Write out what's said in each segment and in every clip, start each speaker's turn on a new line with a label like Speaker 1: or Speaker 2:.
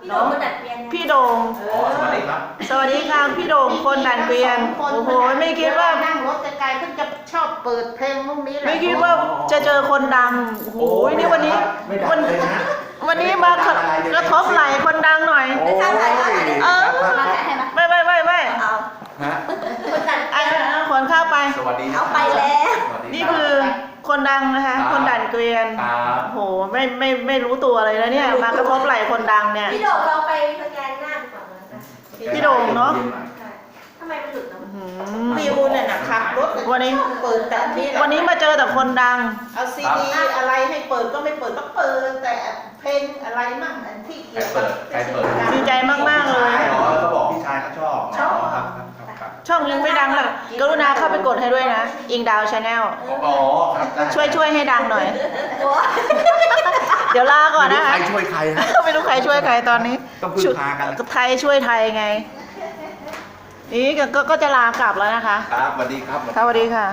Speaker 1: น้องดัดเปลี่ยน
Speaker 2: พี่โด่ง
Speaker 3: สวัสดีครับ
Speaker 2: สวัสดีค่ะพี่โด่งคนดันเกวียนโอ้โหไม่คิดว่า
Speaker 4: นั่งรถไกลๆเพิ่งจะชอบเปิดเพลงพวกนี้แหละ
Speaker 2: ไม่คิดว่าจะเจอคนดังโอ้โหนี่วันนี้
Speaker 3: ไม่ดังเลยนะ
Speaker 2: วันนี้มากระทบไหล่คนดังหน่อย
Speaker 3: โอ้ย
Speaker 2: เออ ไม่
Speaker 1: เอา
Speaker 3: ฮะ
Speaker 1: คนดัดเป
Speaker 2: อ่ะ
Speaker 1: ลี่ยน
Speaker 2: ขนเข้าไป
Speaker 3: สวัสดี
Speaker 1: เอาไปแล้ว
Speaker 3: สวัสดี
Speaker 2: นี่คือคนดังนะคะคนดันเกวียน
Speaker 3: ครับ
Speaker 2: โอ้โหไม่รู้ตัวเลยนะเนี่ยมากระทบไหล่คนดังเนี่ย
Speaker 1: พี่โด่งเราไปสแกนหน้าก่อนนะคะ
Speaker 2: พี่โด่งเนอะ
Speaker 1: ทำไมมันหลุดเนาะ
Speaker 2: อืม
Speaker 4: ฟิวเนี่ยนะขับรถ
Speaker 2: วันนี้
Speaker 4: เปิดแต่นี่แหละ
Speaker 2: วันนี้มาเจอแต่คนดัง
Speaker 4: เอาซีดีอะไรให้เปิดก็ไม่เปิดก็เปิดแต่เพลงอะไรมั่งอันที่เกี่ยวกับ
Speaker 3: ใครเปิด
Speaker 2: ดีใจมากๆเลย
Speaker 3: อ๋อเขาบอกพี่ชายเขาชอบครับ
Speaker 2: ช่องยังไม่ดังเลยกรุณาเข้าไปกดให้ด้วยนะ อิงดาวชาแนล
Speaker 3: อ๋อครับได้
Speaker 2: ช่วยให้ดังหน่อย
Speaker 1: โอ้ย
Speaker 2: เดี๋ยวลาก่อนนะคะ
Speaker 3: ใครช่วยใครฮะ
Speaker 2: ไม่รู้ใครช่วยใครตอนนี้
Speaker 3: ต้องพึ่งพากัน
Speaker 2: ไทยช่วยไทยไง นี่ก็จะลากลับแล้วนะคะ
Speaker 3: ครับสวัสดีครับ
Speaker 2: สวัสดีค่ะ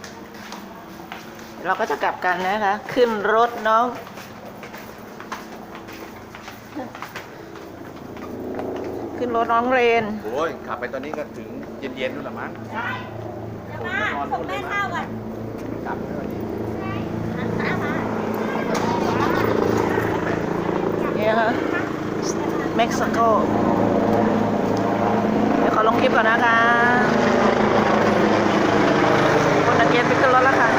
Speaker 2: เราก็จะกลับกันนะคะ ขึ้นรถน้อง ขึ้นรถน้องเรน
Speaker 3: โอ้ยขับไปตอนนี้ก็ถึงเย็นๆนู่นละมั้ง
Speaker 1: จะมาส่งแม่ข้าวก่อน
Speaker 3: กลับไปวันนี้
Speaker 2: นี่ค่ะเม็กซิโก เดี๋ยวขอลงคลิปก่อนนะคะคนนักเก็ตไปขึ้นรถแล้วค่ะ